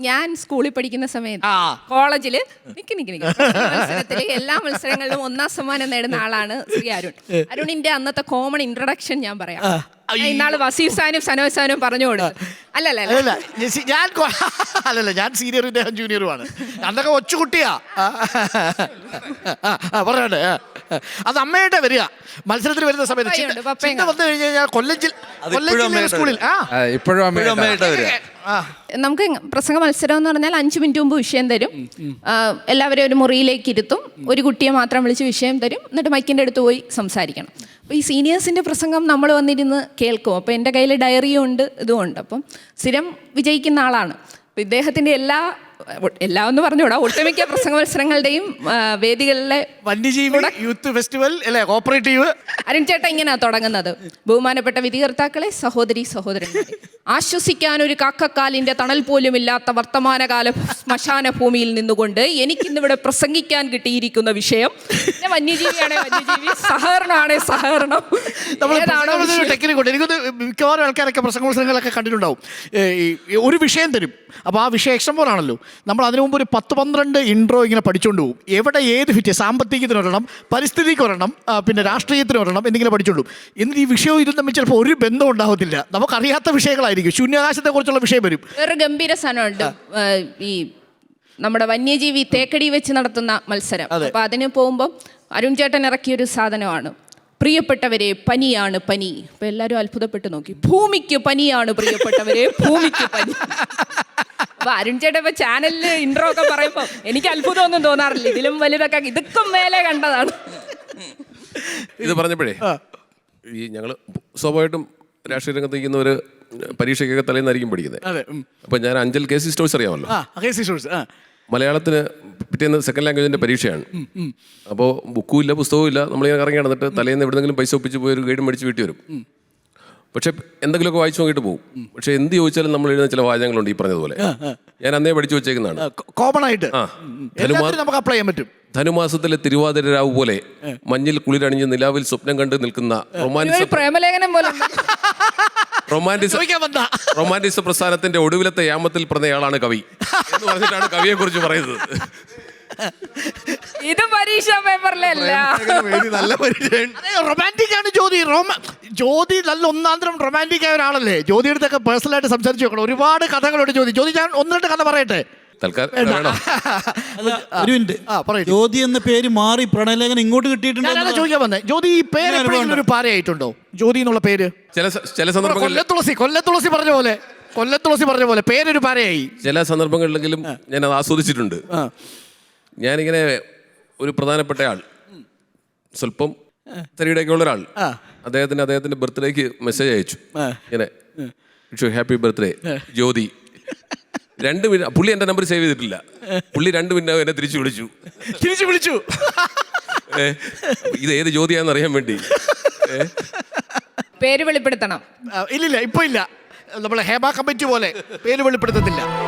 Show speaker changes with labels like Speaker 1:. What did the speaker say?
Speaker 1: ഞാൻ സ്കൂളിൽ പഠിക്കുന്ന സമയത്ത് കോളേജില് മത്സരത്തില് എല്ലാ മത്സരങ്ങളിലും 1ാം സമ്മാനം നേടുന്ന ആളാണ് ശ്രീ അരുൺ. അരുണിന്റെ അന്നത്തെ കോമൺ ഇൻട്രൊഡക്ഷൻ ഞാൻ പറയാം. ഇന്നാള് വസീഫ് സാനും സനോജ് സാനും പറഞ്ഞു കൊടുത്തു.
Speaker 2: ഞാൻ സീനിയറും ഇദ്ദേഹം ജൂനിയറുമാണ്. അന്നൊക്കെ ഒച്ചുകുട്ടിയാ. പറയണ്ടേ, അത് അമ്മയുടെ വരിക മത്സരത്തിൽ വരുന്ന സമയത്ത് വന്നു കഴിഞ്ഞാൽ കൊല്ലം സ്കൂളിൽ
Speaker 3: ഇപ്പോഴും അമ്മയുടെ വരിക.
Speaker 1: നമുക്ക് പ്രസംഗ മത്സരം എന്ന് പറഞ്ഞാൽ 5 മിനിറ്റ് മുമ്പ് വിഷയം തരും. എല്ലാവരും ഒരു മുറിയിലേക്ക് ഇരുത്തും. ഒരു കുട്ടിയെ മാത്രം വിളിച്ച് വിഷയം തരും. എന്നിട്ട് മൈക്കിൻ്റെ അടുത്ത് പോയി സംസാരിക്കണം. അപ്പോൾ ഈ സീനിയേഴ്സിൻ്റെ പ്രസംഗം നമ്മൾ വന്നിരുന്ന് കേൾക്കും. അപ്പോൾ എൻ്റെ കയ്യിൽ ഡയറിയും ഉണ്ട്, ഇതും ഉണ്ട്. അപ്പം സ്ഥിരം വിജയിക്കുന്ന ആളാണ്. അപ്പോൾ ഇദ്ദേഹത്തിൻ്റെ എല്ലാം എന്ന് പറഞ്ഞുകൂടാ, ഒട്ടുമിക്ക പ്രസംഗ മത്സരങ്ങളുടെയും വേദികളിലെ
Speaker 2: വന്യജീവി യൂത്ത് ഫെസ്റ്റിവൽ അല്ലേ, കോപ്പറേറ്റീവ്.
Speaker 1: അരുൺ ചേട്ടൻ ഇങ്ങനെയാ തുടങ്ങുന്നത്. ബഹുമാനപ്പെട്ട വിധികർത്താക്കളെ, സഹോദരി സഹോദരന്മാരെ, ആശ്വസിക്കാൻ ഒരു കാക്കക്കാലിന്റെ തണൽ പോലും ഇല്ലാത്ത വർത്തമാനകാല ശ്മശാന ഭൂമിയിൽ നിന്നുകൊണ്ട് എനിക്കിന്നിവിടെ പ്രസംഗിക്കാൻ കിട്ടിയിരിക്കുന്ന വിഷയം വന്യജീവിയാണേ വന്യജീവി, സഹകരണമാണേ സഹകരണം.
Speaker 2: ടെക്നിക്കുണ്ട്. എനിക്കൊന്ന് മിക്കവാറും ആൾക്കാരൊക്കെ പ്രസംഗ മത്സരങ്ങളൊക്കെ കണ്ടിട്ടുണ്ടാവും. ഒരു വിഷയം തരും. അപ്പോൾ ആ വിഷയം എക്സം പോലാണല്ലോ. നമ്മൾ അതിനു മുമ്പ് ഒരു 10-12 ഇൻട്രോ ഇങ്ങനെ പഠിച്ചുകൊണ്ട് പോകും. എവിടെ ഏത് ഫിറ്റ്, സാമ്പത്തികത്തിന് ഒരെണ്ണം, പരിസ്ഥിതിക്ക് ഒരെണ്ണം, പിന്നെ രാഷ്ട്രീയത്തിന് ഒരെണ്ണം, എന്തെങ്കിലും പഠിച്ചുകൊണ്ടു. എന്നിട്ട് ഈ വിഷയവും ഇതും തമ്മിൽ ചിലപ്പോൾ ഒരു ബന്ധം ഉണ്ടാവത്തില്ല. നമുക്കറിയാത്ത വിഷയങ്ങളായിരിക്കും. ശൂന്യാകാശത്തെ കുറിച്ചുള്ള വിഷയം വരും.
Speaker 1: വേറെ ഗംഭീര സാധനമുണ്ട്, ഈ നമ്മുടെ വന്യജീവി തേക്കടി വെച്ച് നടത്തുന്ന മത്സരം. അപ്പൊ അതിന് പോകുമ്പോൾ അരുൺ ചേട്ടൻ ഇറക്കിയൊരു സാധനമാണ്, പ്രിയപ്പെട്ടവരെ പനിയാണ് പനി. അപ്പൊ എല്ലാവരും അത്ഭുതപ്പെട്ട് നോക്കി. ഭൂമിക്ക് പനിയാണ് പ്രിയപ്പെട്ടവരെ, ഭൂമിക്ക് പനി. അപ്പൊ അരുൺ ചേട്ടൻ ഇപ്പൊ ചാനലില് ഇൻട്രോ ഒക്കെ പറയുമ്പോ എനിക്ക് അത്ഭുതമൊന്നും തോന്നാറില്ല. ഇതിലും വലുതൊക്കെ ഇതൊക്കെ മേലെ കണ്ടതാണ്.
Speaker 4: ഇത് പറഞ്ഞപ്പോഴേ ഈ ഞങ്ങള് സ്വാഭാവികമായിട്ടും രാഷ്ട്രീയ രംഗത്ത് നിൽക്കുന്നവര് പരീക്ഷയ്ക്കൊക്കെ തലേന്നായിരിക്കും പഠിക്കുന്നത്. അപ്പൊ ഞാൻ അഞ്ചൽ കെ സി സ്റ്റോഴ്സ് അറിയാമല്ലോ. മലയാളത്തിന് പിറ്റേന്ന് സെക്കൻഡ് ലാംഗ്വേജിന്റെ പരീക്ഷയാണ്. അപ്പോൾ ബുക്കും ഇല്ല, പുസ്തകവും ഇല്ല. നമ്മളിങ്ങനെ കറങ്ങി നടന്നിട്ട് തലേന്ന് എവിടെന്നെങ്കിലും പൈസ ഒപ്പിച്ച് പോയി ഒരു ഗൈഡ് മേടിച്ച് വീട്ടിൽ വരും. പക്ഷെ എന്തെങ്കിലുമൊക്കെ വായിച്ചു നോക്കിയിട്ട് പോകും. പക്ഷെ എന്ത് ചോദിച്ചാലും നമ്മൾ എഴുതുന്ന ചില വാചകങ്ങളുണ്ട് ഈ പറഞ്ഞതുപോലെ. ഞാൻ അന്നേ പഠിച്ചു വെച്ചേക്കുന്നതാണ്.
Speaker 2: കോമൺ ആയിട്ട് നമുക്ക് അപ്ലൈ ചെയ്യാൻ പറ്റും.
Speaker 4: ധനുമാസത്തിലെ തിരുവാതിര രാവ് പോലെ മഞ്ഞിൽ കുളിരണിഞ്ഞ് നിലാവിൽ സ്വപ്നം കണ്ട് നിൽക്കുന്ന റൊമാൻറ്റിസ പ്രസ്ഥാനത്തിന്റെ ഒടുവിലത്തെ യാമത്തിൽ പറഞ്ഞയാളാണ് കവി എന്ന് പറഞ്ഞിട്ടാണ് കവിയെ കുറിച്ച് പറയുന്നത്.
Speaker 1: ഇത് പരീക്ഷാ പേപ്പറിലല്ല.
Speaker 2: നല്ല റൊമാൻറ്റിക് ആണ് ജ്യോതി. ജ്യോതി നല്ല ഒന്നാന്തരം റൊമാൻറ്റിക് ആയ ഒരാളല്ലേ. ജ്യോതിയുടെ അടുത്തൊക്കെ പേഴ്സണലായിട്ട് സംസാരിച്ച് നോക്കണം. ഒരുപാട് കഥകളുണ്ട് ജ്യോതി. ഞാൻ 1-2 കഥ പറയട്ടെ.
Speaker 5: ജ്യോതി എന്ന പേര് മാറി പ്രണയലേഖനം ഇങ്ങോട്ട് കിട്ടിയിട്ടുണ്ട്.
Speaker 2: ചോദിക്കാൻ വന്നേ, ജ്യോതി ഈ പേര് എപ്പോഴെങ്കിലും ഒരു പാരയായിട്ടുണ്ടോ? ജ്യോതി എന്നുള്ള പേര്
Speaker 4: ചില സന്ദർഭങ്ങളിൽ
Speaker 2: കൊല്ലത്തുളസി പറഞ്ഞ പോലെ പേരൊരു പാരയായി.
Speaker 4: ചില സന്ദർഭങ്ങളിലെങ്കിലും ഞാൻ അത് ആസ്വദിച്ചിട്ടുണ്ട്. ഞാനിങ്ങനെ ഒരു പ്രധാനപ്പെട്ട ആൾ, സ്വല്പം തരിയുടെയൊക്കെ ഉള്ള ഒരാൾ, അദ്ദേഹത്തിന്റെ ബർത്ത്ഡേക്ക് മെസ്സേജ് അയച്ചു. ഇങ്ങനെ ഹാപ്പി ബർത്ത്ഡേ ജ്യോതി. 2 മിനിറ്റ്. പുള്ളി എൻ്റെ നമ്പർ സേവ് ചെയ്തിട്ടില്ല. പുള്ളി 2 മിനിറ്റ് എന്നെ തിരിച്ചു വിളിച്ചു. ഇത് ഏത് ജ്യോതിയാന്ന് അറിയാൻ വേണ്ടി.
Speaker 1: പേര് വെളിപ്പെടുത്തണം.
Speaker 2: ഇല്ലില്ല, ഇപ്പൊ ഇല്ല. നമ്മളെ ഹേമ കമ്മിറ്റി പോലെ പേര് വെളിപ്പെടുത്തത്തില്ല.